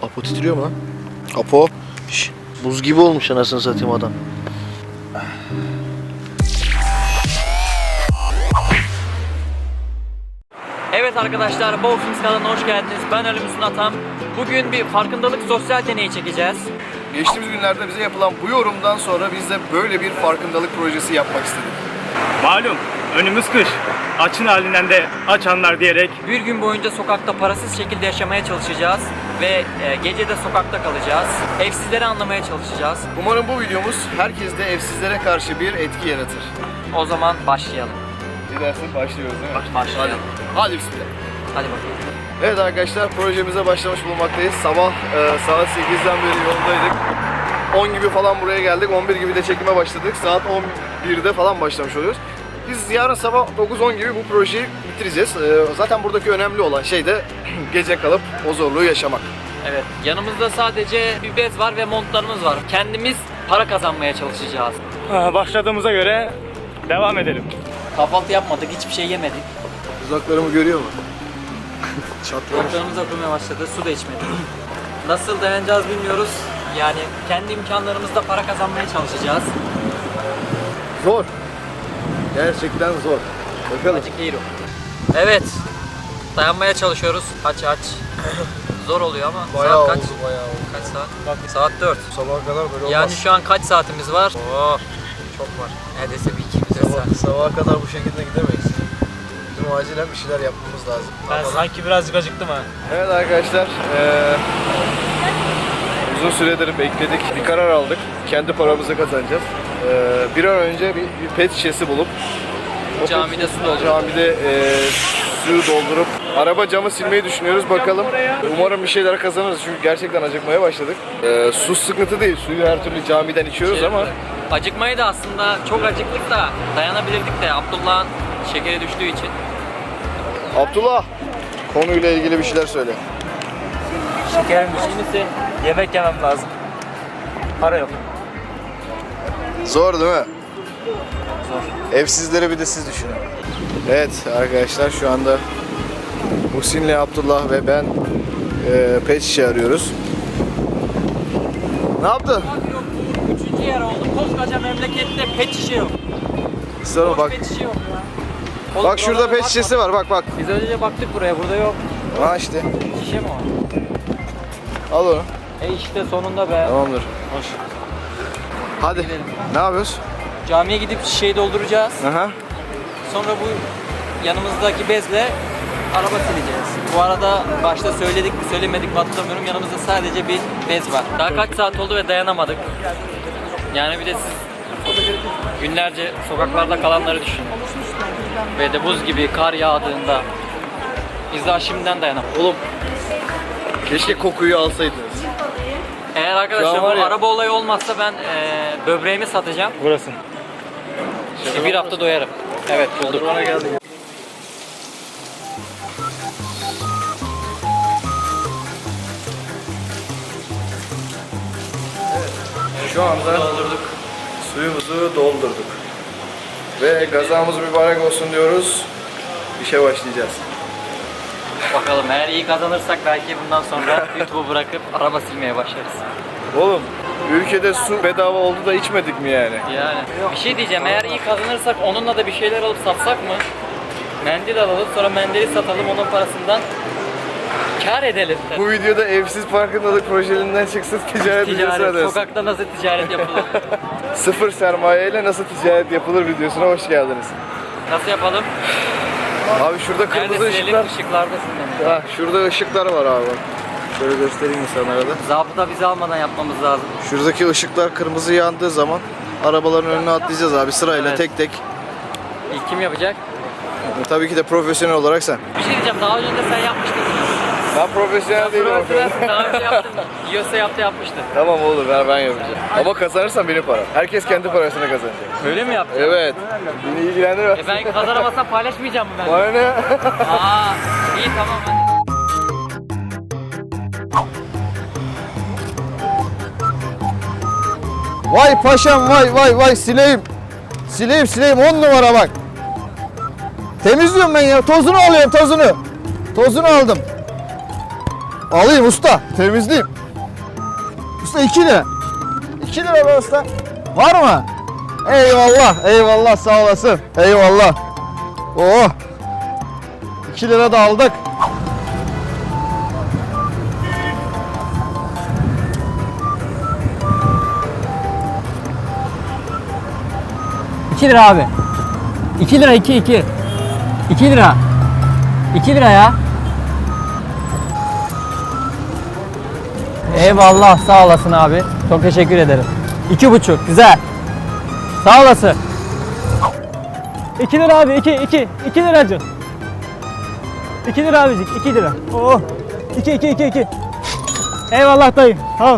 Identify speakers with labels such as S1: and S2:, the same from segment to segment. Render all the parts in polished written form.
S1: Apo titriyor mu lan? Apo. Şş, buz gibi olmuş anasını satayım adam.
S2: Evet arkadaşlar, Bowfings kanalına hoş geldiniz. Ben Ali Müslüm Atam. Bugün bir farkındalık sosyal deneyi çekeceğiz.
S3: Geçtiğimiz günlerde bize yapılan bu yorumdan sonra biz de böyle bir farkındalık projesi yapmak istedik.
S4: Malum önümüz kış. Açın halinden de açanlar diyerek
S2: Bir gün boyunca sokakta parasız şekilde yaşamaya çalışacağız. Ve gece de sokakta kalacağız. Evsizleri anlamaya çalışacağız.
S3: Umarım bu videomuz herkeste evsizlere karşı bir etki yaratır.
S2: O zaman başlayalım.
S3: Ne dersin? Başlıyoruz değil mi?
S2: Başlayalım.
S3: Hadi bismillah.
S2: Hadi bakalım.
S3: Evet arkadaşlar, projemize başlamış bulunmaktayız. Sabah saat 8'den beri yoldaydık. 10 gibi falan buraya geldik. 11 gibi de çekime başladık. Saat 11'de falan başlamış oluyoruz. Biz yarın sabah 9-10 gibi bu projeyi bitireceğiz. Zaten buradaki önemli olan şey de gece kalıp o zorluğu yaşamak.
S2: Evet, yanımızda sadece bir bez var ve montlarımız var. Kendimiz para kazanmaya çalışacağız.
S4: başladığımıza göre devam edelim.
S2: Kahvaltı yapmadık, hiçbir şey yemedik.
S3: Uzaklarımı görüyor mu? Çatlamış.
S2: Kulaklarımız okumaya başladı, su da içmedik. Nasıl dayanacağız bilmiyoruz. Yani kendi imkanlarımızla para kazanmaya çalışacağız.
S3: Zor. Gerçekten zor. Bakalım.
S2: Acık değil o. Evet, dayanmaya çalışıyoruz. Aç. Zor oluyor ama saat kaç?
S3: bayağı oldu.
S2: Kaç saat? Saat 4.
S3: Sabaha kadar böyle olmaz.
S2: Yani şu an kaç saatimiz var? Oo, çok var. Neredeyse bir 2 saat.
S3: Sabaha kadar bu şekilde gidemeyiz. Bizim acilen bir şeyler yapmamız lazım.
S4: Ben sanki birazcık acıktım ha.
S3: Evet arkadaşlar, uzun süredir bekledik. Bir karar aldık. Kendi paramızı kazanacağız. Bir an önce bir pet şişesi bulup o
S2: Camide su doldurup.
S3: Camide suyu doldurup araba camı silmeyi düşünüyoruz. Bakalım. Umarım bir şeyler kazanırız çünkü gerçekten acıkmaya başladık. Su sıkıntı değil. Suyu her türlü camiden içiyoruz ama
S2: Acıkmayı da aslında çok acıktık da dayanabilirdik de Abdullah'ın şekeri düştüğü için.
S3: Abdullah, konuyla ilgili bir şeyler söyle.
S4: Şekerim düşkünse yemek yemem lazım. Para yok.
S3: Zor değil mi? Zor. Evsizleri bir de siz düşünün. Evet arkadaşlar, şu anda Muhsin'le Abdullah ve ben pet şişe arıyoruz. Ne yaptın?
S2: Yok, bu 3. yer oldu. Koskoca memlekette pet şişe yok.
S3: Sonra bak.
S2: Pet şişe yok ya. Oğlum,
S3: Bak şurada
S2: buralara
S3: pet şişesi var, bak bak.
S2: Biz önce baktık buraya, burada yok.
S3: Ha işte.
S2: Şişe mi var?
S3: Al onu.
S2: İşte sonunda be.
S3: Tamamdır.
S2: Hoş.
S3: Hadi. Ne yapıyoruz?
S2: Camiye gidip şişeyi dolduracağız.
S3: Aha.
S2: Sonra bu yanımızdaki bezle araba sileceğiz. Bu arada başta söyledik mi söylemedik mi hatırlamıyorum. Yanımızda sadece bir bez var. Daha kaç saat oldu ve dayanamadık. Yani bir de siz günlerce sokaklarda kalanları düşünün. Ve de buz gibi kar yağdığında biz daha şimdiden dayanamadık.
S3: Oğlum. Keşke kokuyu alsaydınız.
S2: Eğer
S3: Şu
S2: arkadaşlar
S3: an
S2: bu
S3: var ya-
S2: araba olayı olmazsa ben böbreğimi satacağım.
S4: Burası.
S2: Bir hafta doyarım. Evet, bulduk.
S3: Bana geldi. Şu anda suyumuzu doldurduk. Ve gazamız mübarek olsun diyoruz. İşe başlayacağız.
S2: Bakalım, eğer iyi kazanırsak belki bundan sonra YouTube'u bırakıp araba silmeye başlarız.
S3: Oğlum, ülkede su bedava oldu da içmedik mi yani?
S2: Yani bir şey diyeceğim, eğer iyi kazanırsak onunla da bir şeyler alıp satsak mı? Mendil alalım, sonra mendili satalım, onun parasından kâr edelim.
S3: Bu videoda evsiz farkındalık projelerinden çıksın, ticaret videosuna
S2: Ticaret,
S3: dönsün.
S2: sokakta nasıl ticaret yapılır?
S3: Sıfır sermayeyle nasıl ticaret yapılır videosuna hoş geldiniz.
S2: Nasıl yapalım?
S3: Abi şurada kırmızı
S2: Nerede silelim?
S3: ışıklar.
S2: Işıklardasın.
S3: Ha, şurada ışıklar var abi bak. Şöyle göstereyim insanlara da.
S2: Zabıta bizi almadan yapmamız lazım.
S3: Şuradaki ışıklar kırmızı yandığı zaman arabaların önüne atlayacağız abi sırayla
S2: Evet.
S3: tek tek.
S2: İlk kim yapacak?
S3: Tabii ki de profesyonel olarak sen.
S2: Bir şey diyeceğim, daha önce de sen yapmıştın.
S3: Ben profesyonel değilim.
S2: Profesyonelsin, daha önce yaptın. Yiyorsa yapmıştı.
S3: Tamam olur, ben yapacağım. Ama kazanırsam benim param. Herkes kendi parasını kazanacak.
S2: Öyle mi yaptın?
S3: Evet. Beni ilgilendirmez.
S2: Ben kazanamazsam paylaşmayacağım mı ben?
S3: Bana ne?
S2: Aa, iyi tamam hadi.
S1: Vay paşam vay sileyim. Sileyim 10 numara bak. Temizliyorum ben ya, tozunu alıyorum tozunu. Tozunu aldım. Alayım usta. Temizleyeyim. Usta 2 lira. 2 lira be usta. Var mı? Eyvallah. Eyvallah sağ olasın. Eyvallah. Oh. 2 lira da aldık.
S2: 2 lira abi. 2 lira 2 2. 2 lira. 2 lira ya. Eyvallah sağ olasın abi. Çok teşekkür ederim. 2,5 güzel. Sağ olasın. 2 lira abi 2 liracık. 2 lira abicik 2 lira. Oh. 2. Eyvallah dayı. Tamam.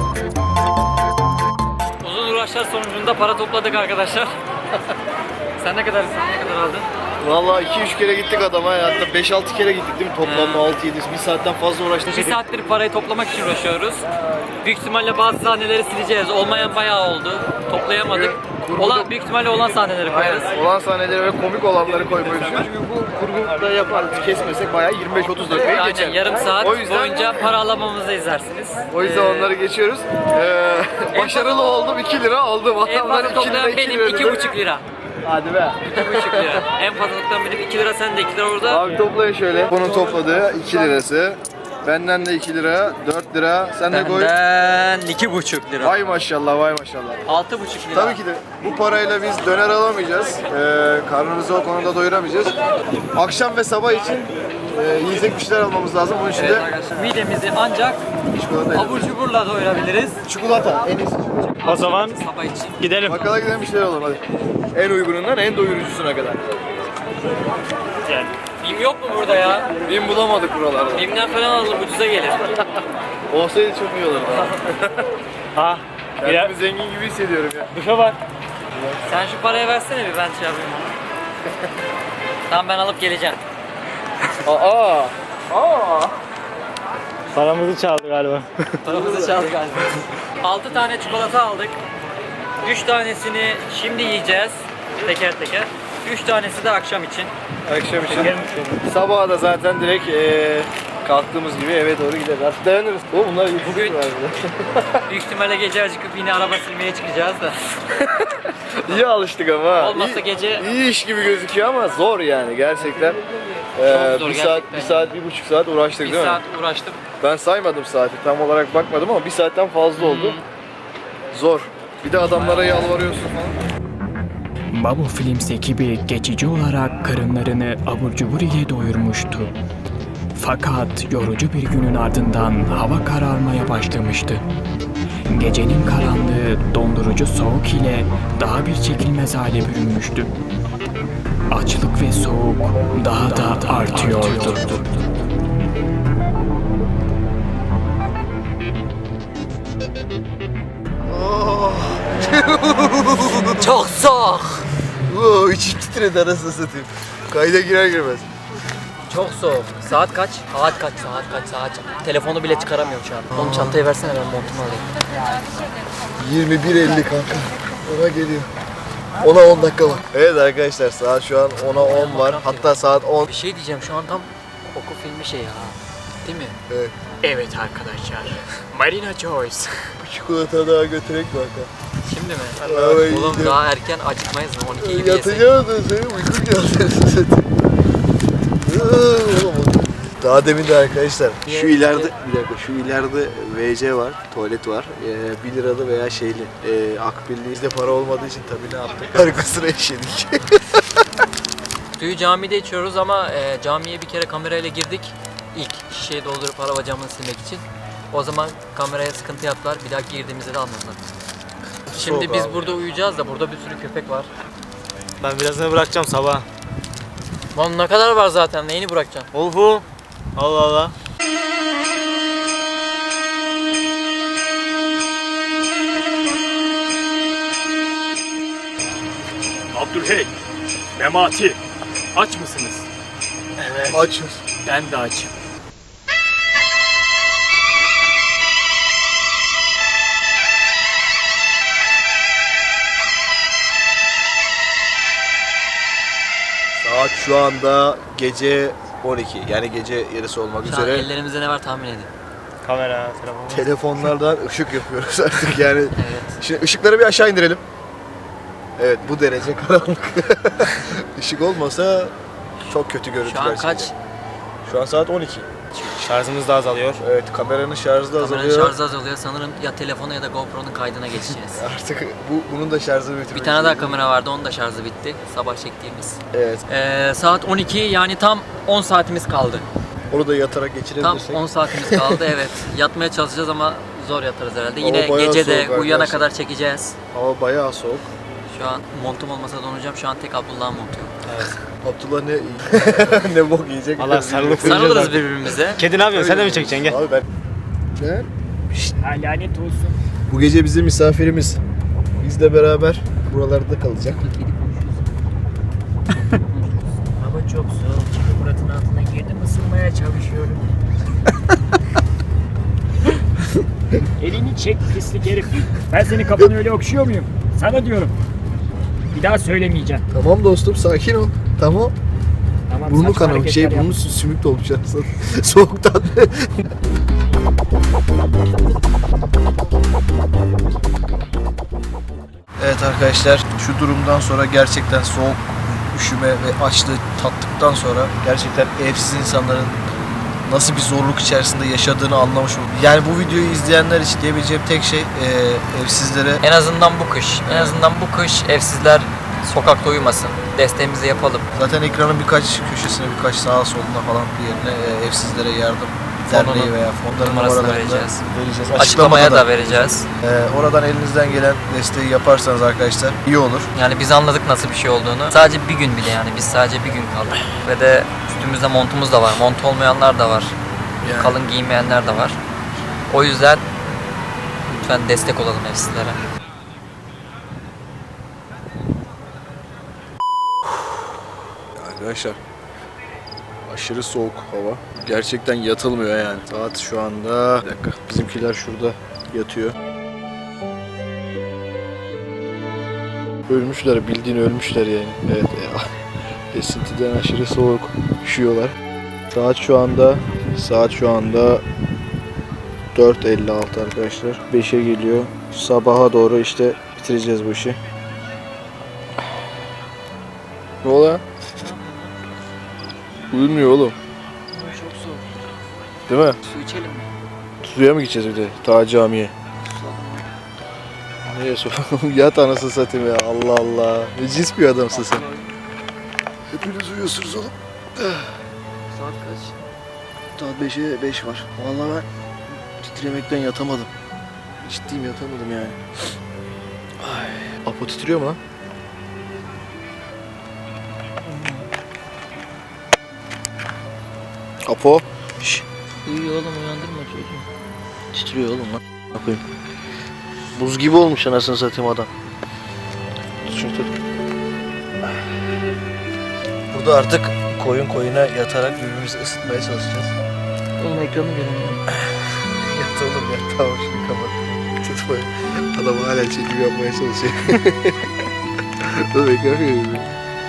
S2: Uzun uğraşlar sonucunda para topladık arkadaşlar. Sen ne kadar aldın?
S3: Vallahi 2-3 kere gittik adama, hatta 5-6 kere gittik değil mi? Toplamda 6-7, bir saatten fazla uğraştık.
S2: Bir saattir parayı toplamak için uğraşıyoruz. Büyük ihtimalle bazı sahneleri sileceğiz. Olmayan bayağı oldu. Toplayamadık. Büyük ihtimalle olan sahneleri koyarız.
S3: Olan sahneleri ve komik olanları koymayı düşünüyoruz. Çünkü bu kurguda yaparız, kesmesek bayağı 25-30 dakikayı geçer.
S2: Aynen yarım saat
S3: O yüzden-
S2: boyunca para alamamızı izlersiniz.
S3: O yüzden onları geçiyoruz. Başarılı oldum, 2 lira aldım.
S2: En
S3: Adamlar
S2: fazla
S3: 2 lira,
S2: toplayan
S3: 2
S2: benim
S3: lira.
S2: 2,5 lira.
S3: Hadi be.
S2: 2,5 lira. En fazla toplayan benim 2 lira, sen de 2 lira orada.
S3: Abi toplayın şöyle. Bunun topladığı 2 lirası. Benden de 2 lira, 4 lira. Sen de koy.
S2: Benden 2,5 lira.
S3: Vay maşallah, vay maşallah.
S2: 6,5 lira.
S3: Tabii ki de bu parayla biz döner alamayacağız. Karnımızı o konuda doyuramayacağız. Akşam ve sabah için yiyecek bir şeyler almamız lazım. Bunun için
S2: Evet
S3: de
S2: arkadaşlar, midemizi ancak
S3: çikolata.
S2: abur cuburla doyurabiliriz.
S3: Çikolata en iyisi.
S4: O zaman
S2: Sabah için.
S4: gidelim.
S3: Bakkala gidelim, bir şeyler alalım hadi. En uygunundan en doyurucusuna kadar.
S4: Yani.
S2: Bim yok mu burada ya?
S3: Bin bulamadık buralarda.
S2: Bim'den falan alalım, ucuza gelir.
S3: Olsaydı çok iyi olurdu.
S4: Ha.
S3: Kendimi zengin gibi hissediyorum ya.
S4: Duşa bak.
S2: Sen şu parayı versene bir, ben şey yapayım. Tamam, ben alıp geleceğim.
S3: Aa!
S4: Paramızı çaldı galiba.
S2: Paramızı çaldı galiba. 6 tane çikolata aldık. 3 tanesini şimdi yiyeceğiz. Teker teker. 3 tanesi de akşam için.
S3: Akşam için. Sabaha da zaten direkt kalktığımız gibi eve doğru gideriz. Artık dayanırız. Bunlar
S2: Bugün büyük ihtimalle gece acıkıp yine araba silmeye çıkacağız da.
S3: iyi alıştık ama. ha.
S2: Olmazsa gece-
S3: iyi iş gibi gözüküyor ama zor yani gerçekten.
S2: Çok zor
S3: bir saat,
S2: gerçekten.
S3: 1 saat, 1,5 saat uğraştık
S2: Bir
S3: değil
S2: saat
S3: mi?
S2: uğraştım.
S3: Ben saymadım saati, tam olarak bakmadım ama 1 saatten fazla oldu. Zor. Bir de adamlara yalvarıyorsun falan.
S5: Babu Films ekibi geçici olarak karınlarını abur cubur ile doyurmuştu. Fakat yorucu bir günün ardından hava kararmaya başlamıştı. Gecenin karanlığı dondurucu soğuk ile daha bir çekilmez hale bürünmüştü. Açlık ve soğuk daha da artıyordu.
S2: Çok soğuk.
S3: İçim titredi anasını satayım. Kayda girer girmez.
S2: Çok soğuk. Saat kaç? Saat kaç? Telefonu bile çıkaramıyorum şu an. Oğlum çantayı versene, ben montumu alayım.
S3: 21.50 kanka. Ona geliyor. Ona 10 dakika var. Evet arkadaşlar, saat şu an 10'a 10 var. Hatta saat 10.
S2: Bir şey diyeceğim, şu an tam koku filmi şey ya. Değil mi?
S3: Evet.
S5: Evet arkadaşlar, Marina Joyce.
S3: Bu çikolata daha götürek kanka.
S2: Şimdi mi?
S3: Evet.
S2: Oğlum daha erken acıkmayız mı? 12 gibi yesek.
S3: Yatacağım da senin uykun geldi zaten. Daha demin de arkadaşlar şu ileride bir dakika, şu ileride WC var, tuvalet var. 1 liralı veya şeyli, akbilli. Bizde para olmadığı için tabii ne yaptık? Arkasına işedik.
S2: Suyu camide içiyoruz ama camiye bir kere kamerayla girdik. İlk şişeyi doldurup araba camını silmek için. O zaman kameraya sıkıntı yaptılar. Bir daha girdiğimizde de almadılar. Şimdi
S3: Soğuk
S2: biz
S3: abi.
S2: burada uyuyacağız da burada bir sürü köpek var.
S4: Ben birazını bırakacağım sabah.
S2: Lan ne kadar var zaten, neyini bırakacaksın?
S4: Olhu. Allah Allah.
S5: Abdülhey, Memati, aç mısınız?
S3: Açız.
S5: Ben de açım.
S3: Saat şu anda gece 12 yani gece yarısı olmak
S2: Şu an
S3: üzere.
S2: ellerimizde ne var tahmin edin.
S4: Kamera, telefon.
S3: Telefonlardan ışık yapıyoruz artık yani.
S2: Evet.
S3: Şimdi ışıkları bir aşağı indirelim. Evet bu derece karanlık. Işık olmasa çok kötü görüntüler
S2: Şu an kaç?
S3: çıkacak. Şu an saat 12.
S4: Şarjımız da azalıyor.
S3: Evet kameranın şarjı da
S2: Kameranın
S3: azalıyor.
S2: şarjı azalıyor. Sanırım ya telefona ya da GoPro'nun kaydına geçeceğiz.
S3: Artık bunun da şarjını bitirmek
S2: Bir tane daha
S3: istiyorum.
S2: kamera vardı. Onun da şarjı bitti. Sabah çektiğimiz.
S3: Evet.
S2: Saat 12 yani tam 10 saatimiz kaldı.
S3: Onu da yatarak
S2: Tam
S3: geçirebilirsek.
S2: 10 saatimiz kaldı evet. Yatmaya çalışacağız ama zor yatarız herhalde.
S3: Hava
S2: Yine
S3: bayağı
S2: gece de
S3: soğuk
S2: uyuyana
S3: arkadaşlar.
S2: kadar çekeceğiz.
S3: Hava bayağı soğuk.
S2: Şu an montum olmasa donacağım. Şu an tek Abdullah'ın montu yok.
S3: Abdullah ne ne bok yiyecek.
S4: Allah sarılıp
S2: Sarılırız birbirimize.
S4: Kedi ne yapıyorsun? Sen de mi çekeceksin? Gel.
S3: Abi ben... Ne?
S5: Lanet olsun.
S3: Bu gece bizim misafirimiz. Bizle beraber buralarda kalacak.
S5: Hava çok soğuk. Çünkü Murat'ın altına girdim, ısınmaya çalışıyorum. Elini çek pislik herif. Ben senin kafanı öyle okşuyor muyum? Sana diyorum. Bir daha söylemeyeceğim.
S3: Tamam dostum sakin ol. Tamam.
S5: Tamam,
S3: Burnu
S5: saçma
S3: kanamış.
S5: hareketler
S3: Burnu sümük dolmuş aslında. Soğuktan. Evet arkadaşlar şu durumdan sonra gerçekten soğuk, üşüme ve açlığı tattıktan sonra gerçekten evsiz insanların nasıl bir zorluk içerisinde yaşadığını anlamış oldum. Yani bu videoyu izleyenler için diyebileceğim tek şey evsizlere
S2: En azından bu kış. En azından bu kış evsizler sokakta uyumasın. Desteğimizi yapalım.
S3: zaten ekranın birkaç köşesine, birkaç sağa soluna falan bir yerine evsizlere yardım
S2: Fonunun
S3: derneği veya fonların
S2: numarasını
S3: numaralarını
S2: vereceğiz.
S3: vereceğiz.
S2: Açıklamaya
S3: Açıklamada
S2: da vereceğiz.
S3: oradan elinizden gelen desteği yaparsanız arkadaşlar iyi olur.
S2: Yani biz anladık nasıl bir şey olduğunu. Sadece bir gün bile yani biz sadece bir gün kaldık. Ve de üstümüzde montumuz da var. Mont olmayanlar da var.
S3: Yani.
S2: Kalın giymeyenler de var. O yüzden lütfen destek olalım evsizlere.
S3: Arkadaşlar aşırı soğuk hava. Gerçekten yatılmıyor yani. Saat şu anda... Bir dakika. Bizimkiler şurada yatıyor. Ölmüşler. Bildiğin ölmüşler yani. Evet ya. Esintiden aşırı soğuk. Üşüyorlar. Saat şu anda 4:56 arkadaşlar. 5'e geliyor. Sabaha doğru işte bitireceğiz bu işi. Ne oluyor? Uyumuyor oğlum.
S2: Çok soğuk.
S3: Değil mi?
S2: Su içelim mi?
S3: Suya mı gideceğiz bir de? Ta camiye. Niye su? Yat anasını satayım ya. Allah Allah. Ne cins bir adamsın sen. Hepiniz uyuyorsunuz oğlum.
S2: Saat kaç?
S3: Saat 5'e 5 var. Vallahi ben titremekten yatamadım. Ciddiyim yatamadım yani. Ay. Apo titriyor mu lan? Apo. Şşş.
S2: Uyuyor oğlum uyandırma çocuğu.
S3: Titriyor oğlum lan. Ne yapayım? Buz gibi olmuş anasını satayım adam. Tut şunu tut. Burada artık koyun koyuna yatarak birbirimizi ısıtmaya çalışacağız.
S2: Oğlum ekranı göremiyorum.
S3: Yat oğlum yat. Tamam şunu kapat. Tutmayın. Adam hala çekim yapmaya çalışıyor. Dur ekran görüyorum.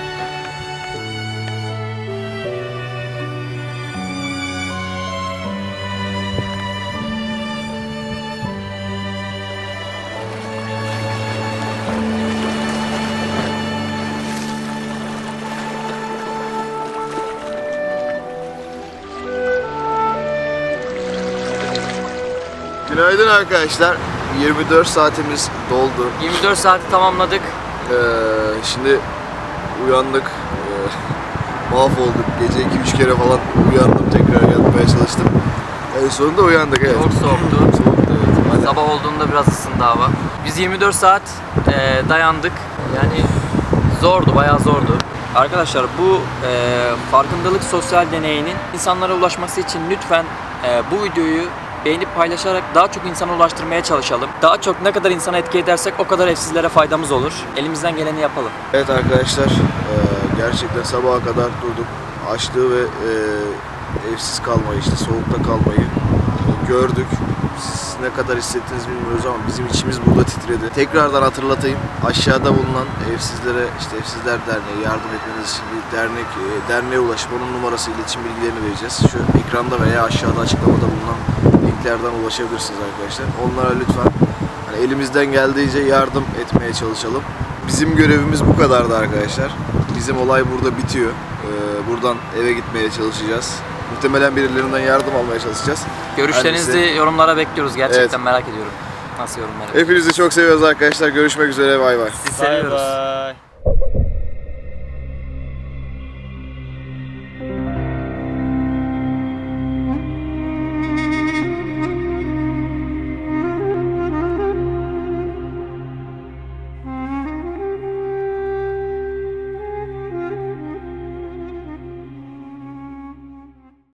S3: Günaydın arkadaşlar. 24 saatimiz doldu.
S2: 24 saati tamamladık.
S3: Şimdi uyandık. Mahvolduk. Gece 2-3 kere falan uyandım. Tekrar yatmaya çalıştım. En sonunda uyandık evet.
S2: Çok soğuktu.
S3: Soğuktu evet. Hadi.
S2: Sabah olduğunda biraz ısındı hava. Biz 24 saat dayandık. Yani zordu, bayağı zordu. Arkadaşlar bu farkındalık sosyal deneyinin insanlara ulaşması için lütfen bu videoyu beğenip paylaşarak daha çok insana ulaştırmaya çalışalım. Daha çok ne kadar insana etki edersek o kadar evsizlere faydamız olur. Elimizden geleni yapalım.
S3: Evet arkadaşlar gerçekten sabaha kadar durduk. Açlığı ve evsiz kalmayı işte soğukta kalmayı gördük. Siz ne kadar hissettiniz bilmiyoruz ama bizim içimiz burada titredi. Tekrardan hatırlatayım. Aşağıda bulunan Evsizlere, işte Evsizler Derneği yardım etmeniz için bir derneğe ulaşıp onun numarası, iletişim bilgilerini vereceğiz. Şu ekranda veya aşağıda açıklamada bulunan linklerden ulaşabilirsiniz arkadaşlar. Onlara lütfen hani elimizden geldiğince yardım etmeye çalışalım. Bizim görevimiz bu kadardı arkadaşlar. Bizim olay burada bitiyor. Buradan eve gitmeye çalışacağız. Muhtemelen birilerinden yardım almaya çalışacağız.
S2: Görüşlerinizi
S3: Hangisi?
S2: yorumlara bekliyoruz. Gerçekten
S3: Evet.
S2: merak ediyorum. Nasıl yorumlar?
S3: Hepinizi çok seviyoruz arkadaşlar. Görüşmek üzere. Bay bay.
S2: Sizi seviyoruz.